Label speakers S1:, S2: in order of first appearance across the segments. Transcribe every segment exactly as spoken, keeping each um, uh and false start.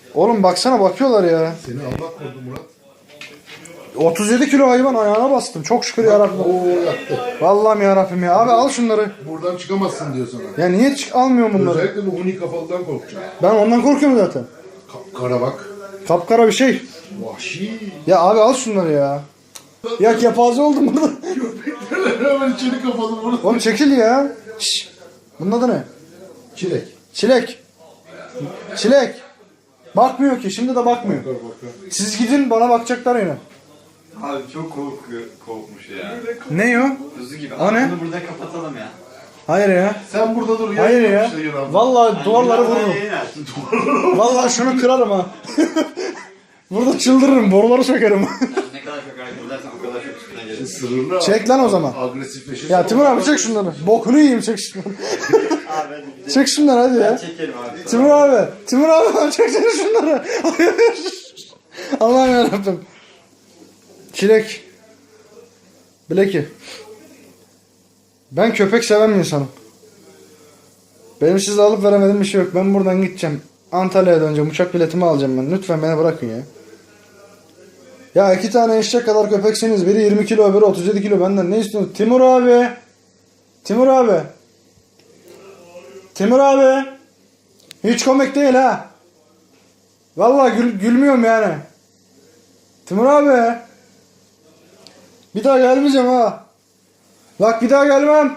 S1: Oğlum baksana bakıyorlar ya.
S2: Seni Allah korudu Murat.
S1: otuz yedi kilo hayvan ayağına bastım. Çok şükür yarabbim.
S2: Oo yaktı.
S1: Vallahi yarabbim ya. Abi al şunları.
S2: Buradan çıkamazsın diyor sana.
S1: Ya niye çık almıyorum bunları?
S2: Özellikle bu huni kafalıdan korkacağım.
S1: Ben ondan korkuyorum zaten.
S2: Kapkara bak.
S1: Kapkara bir şey.
S2: Vahşi.
S1: Ya abi al şunları ya. Ya kepaze oldum burada.
S2: Köpekler hemen içeri kapalı bunu.
S1: Oğlum çekil ya. Şşş. Bunun adı ne?
S2: Çilek.
S1: Çilek. Çilek. Bakmıyor ki. Şimdi de bakmıyor.
S2: Bakar bakar.
S1: Siz gidin bana bakacaklar yine.
S3: Abi çok korkuyor, korkmuş ya.
S1: Ne o?
S3: Kuzu gibi.
S1: O
S3: Abi
S1: ne?
S3: bunu burada kapatalım ya.
S1: Hayır ya.
S2: Sen burada dur.
S1: Hayır
S2: yayın
S1: ya.
S2: yap işte Yunan.
S1: Vallahi duvarları
S3: Birazdan
S1: vururum.
S3: yayın aç.
S1: Vallahi şunu kırarım ha. Burada çıldırırım. Boruları sökerim.
S3: Ne kadar çok hareket edersen o kadar çok üstüne gelir.
S2: Sırrına
S1: Çek lan o zaman.
S2: agresifleşir.
S1: Ya Timur abi çek şunları. Bokunu yiyeyim çek şunları.
S3: Abi hadi gidelim.
S1: Çek şunları hadi ya.
S3: Çekelim abi.
S1: Timur abi. Timur abi çek çek şunları. Allah'ım yarabbim. Çilek. Bileki. Ben köpek seven bir insanım. Benim size alıp veremediğim bir şey yok. Ben buradan gideceğim. Antalya'ya döneceğim. Uçak biletimi alacağım ben. Lütfen beni bırakın ya. Ya iki tane eşek kadar köpeksiniz. Biri yirmi kilo, öbürü otuz yedi kilo. Benden ne istiyorsunuz? Timur abi. Timur abi. Timur abi. Hiç komik değil ha. Vallahi gül, gülmüyorum yani. Timur abi. Bir daha gelmeyeceğim ha. Bak bir daha gelmem.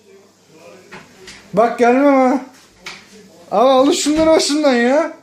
S1: Bak gelmem ha. Ama alın şunları başından ya.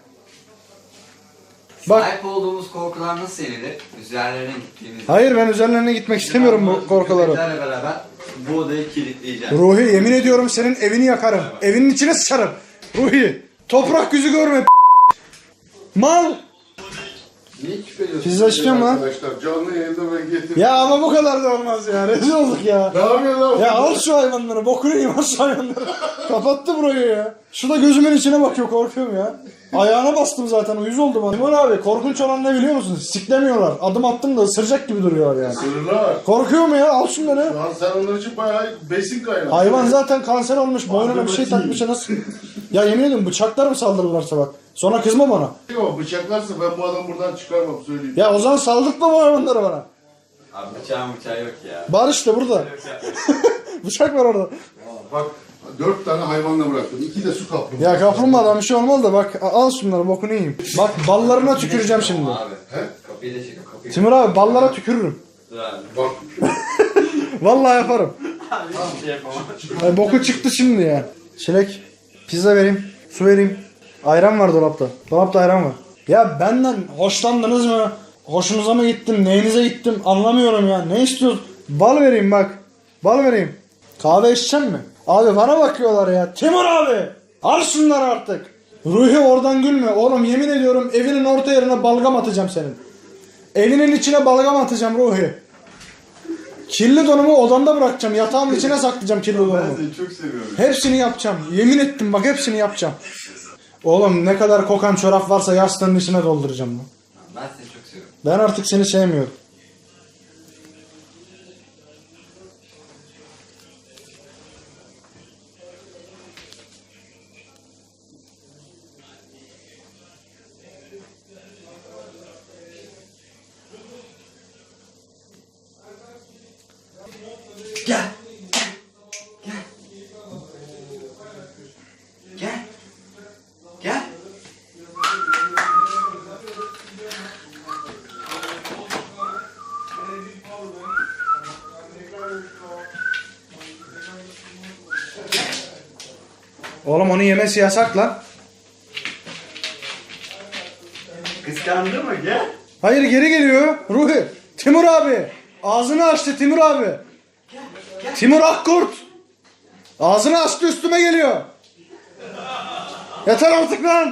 S1: Bak.
S3: Sahip olduğumuz korkular nasıl yenilir? Üzerlerine gittiğimizde.
S1: Hayır ben üzerlerine gitmek istemiyorum bu korkuları.
S3: Köpeklerle beraber bu odayı kilitleyeceğim.
S1: Ruhi yemin ediyorum senin evini yakarım. Evinin içine sıçarım. Ruhi. Toprak yüzü görme. Mal.
S2: Niye küpeliyorsun?
S1: Pizza istiyor mu lan?
S2: Arkadaşlar canlı yayında ben getirdim.
S1: Ya ama bu kadar da olmaz ya. Rezil olduk ya.
S2: Ne yapıyorsun lan?
S1: Ya al şu hayvanları. Bokunu yiyeyim al şu hayvanları. Kapattı burayı ya. Şu da gözümün içine bakıyor korkuyorum ya. Ayağına bastım zaten uyuz oldum. Timur abi korkunç olan ne biliyor musun? Siklemiyorlar. Adım attım da ısıracak gibi duruyor yani.
S2: Sırrına.
S1: Korkuyor mu ya? Al şunları.
S2: Şu an sen onlar için bayağı besin kaynağı.
S1: Hayvan zaten kanser olmuş. Boynuna bir şey takmış. Nasıl? Ya yemin ediyorum bıçaklar mı saldırırlarsa bak. Sonra kızma bana.
S2: Yok bıçaklarsa ben bu adamı buradan çıkarmam söyleyeyim.
S1: Ya o zaman saldırtma bu hayvanları bana.
S3: Abi bıçağın bıçağı yok ya.
S1: Var işte burada. Bıçak var orada.
S2: Bak dört tane hayvanla bıraktım. İki de su kaplumbağa.
S1: Ya kaplumbağadan bir şey olmaz da bak al şunları bokunu yiyeyim. Bak ballarına tüküreceğim şimdi.
S3: Abi.
S2: He?
S3: Kapıyı da çekin kapıyı.
S1: Timur abi ballara tükürürüm.
S3: Dur abi.
S2: Bak.
S1: Vallahi yaparım.
S3: Abi hiçbir şey yapamam.
S1: Ay, boku çıktı şimdi ya. Çilek, pizza vereyim, su vereyim. Ayran var dolapta. Dolapta ayran var. Ya benden hoşlandınız mı? Hoşunuza mı gittim? Neyinize gittim? Anlamıyorum ya. Ne istiyorsun? Bal vereyim bak. Bal vereyim. Kahve içecek mi? Abi bana bakıyorlar ya. Timur abi. Al şunları artık. Ruhi oradan gülme. Oğlum yemin ediyorum evinin orta yerine balgam atacağım senin. Evinin içine balgam atacağım Ruhi. Kirli donumu odamda bırakacağım. Yatağımın içine saklayacağım kirli donumu.
S3: Ben seni çok seviyorum.
S1: Hepsini yapacağım. Yemin ettim bak hepsini yapacağım. Oğlum ne kadar kokan çorap varsa yastığın içine dolduracağım lan.
S3: Ben seni çok seviyorum.
S1: Ben artık seni sevmiyorum.
S3: Gel. Gel. Gel. Gel.
S1: Oğlum onu yemesi yasak lan.
S3: Kıskandı mı? Gel.
S1: Hayır geri geliyor. Ruhi. Timur abi. Ağzını açtı Timur abi. Timur Akkurt. Ağzını açtı üstüme geliyor. Yeter artık lan.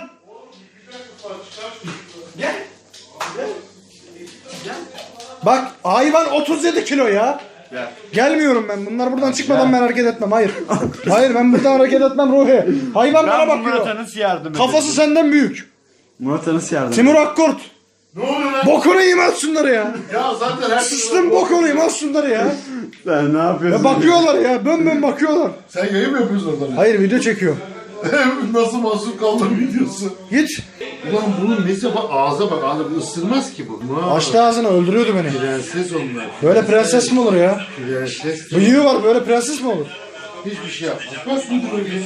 S3: Gel. Gel. Gel.
S1: Bak hayvan otuz yedi kilo ya.
S3: Gel.
S1: Gelmiyorum ben. Bunlar buradan çıkmadan ben hareket etmem. Hayır. Hayır ben buradan hareket etmem Ruhi. Hayvan bana bakıyor.
S3: nasıl yardım
S1: Kafası senden büyük.
S3: Murat'a nasıl yardım
S1: Timur Akkurt.
S2: Ne oluyor lan?
S1: Bokunu yiyeyim al şunları ya.
S2: Ya zaten her
S1: Sıçtım bokunu yiyeyim al şunları ya.
S3: Sen ne yapıyorsun?
S1: Ya bakıyorlar ya. Bön bön bakıyorlar.
S2: Sen yayın mı yapıyorsun orada?
S1: Hayır video çekiyor.
S2: Nasıl mahsur kaldın videosu?
S1: Git.
S2: Ulan bunun nesi bak ağza bak ağza bu ısırmaz ki bu. Vay.
S1: Açtı ağzını öldürüyordu beni.
S2: Prenses onlar.
S1: Böyle prenses mi olur ya?
S2: Prenses.
S1: Bıyığı var böyle prenses mi olur?
S2: Hiçbir şey yapmaz. Bak bu böyle.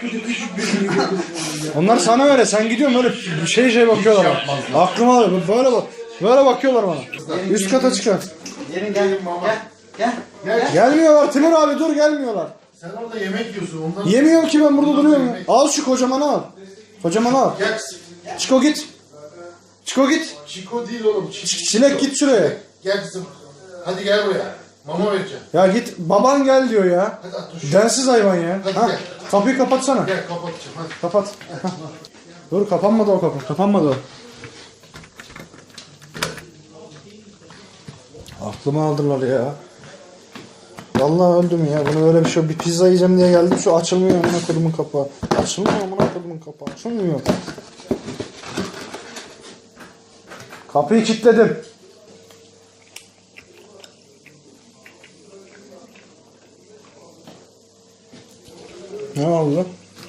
S1: Onlar sana öyle sen gidiyorsun böyle şey şey bakıyorlar bana. Aklıma alıyor böyle bak. Böyle bakıyorlar bana. Üst kata çıkar.
S3: Gelin gel. Gel. Gel.
S2: Gel.
S1: Gelmiyorlar Timur abi dur gelmiyorlar.
S2: Sen orada yemek yiyorsun ondan.
S1: Yemiyorum ki ben burada duruyorum ya. Al şu kocamanı al. Kocamanı al.
S2: Gel.
S1: Çiko git. Çiko git.
S2: Çiko değil oğlum. Çiko.
S1: Çilek git şuraya.
S2: Gel kızım. Hadi gel buraya. Mama vereceğim.
S1: Ya git baban gel diyor ya.
S2: Hadi at dur.
S1: Densiz hayvan ya.
S2: Hadi
S1: Ha,
S2: gel.
S1: kapıyı kapatsana.
S2: Gel kapatacağım hadi.
S1: Kapat. Hah. Dur kapanmadı o kapı. Kapanmadı o. Aklımı aldılar ya. Vallahi öldüm ya. Bunu böyle bir şey. Bir pizza yiyeceğim diye geldim. Şu açılmıyor amına kodumun kapağı. Açılmıyor amına kodumun kapağı. Açılmıyor. Kapıyı kilitledim. Ne oldu?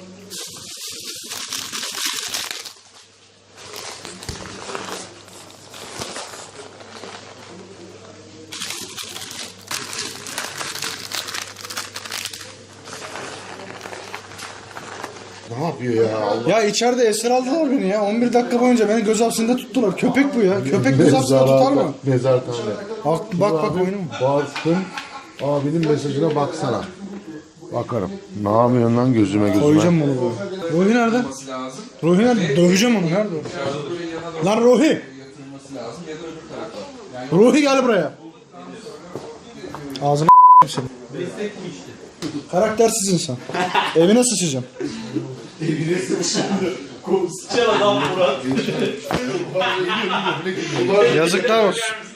S2: Ne yapıyor ya Allah.
S1: Ya içeride esir aldılar beni ya. on bir dakika boyunca beni göz hapsinde tuttular. Köpek bu ya. Köpek göz hapsinde tutar mı?
S2: Mezartane.
S1: Bak bak, bak
S2: Abi,
S1: oyunum.
S2: Bastım. Abinin mesajına baksana. Bakarım. Ne yapıyorsun lan gözüme gözüme?
S1: Koyacağım bunu böyle. Ruhi nerede? Ruhi nerede? Döveceğim onu. Nerede o? Lan Ruhi! Ruhi gel buraya. Ağzına seni. Karaktersiz insan. Evine sıçacağım.
S3: Sıçan adam Murat.
S1: Yazıklar olsun.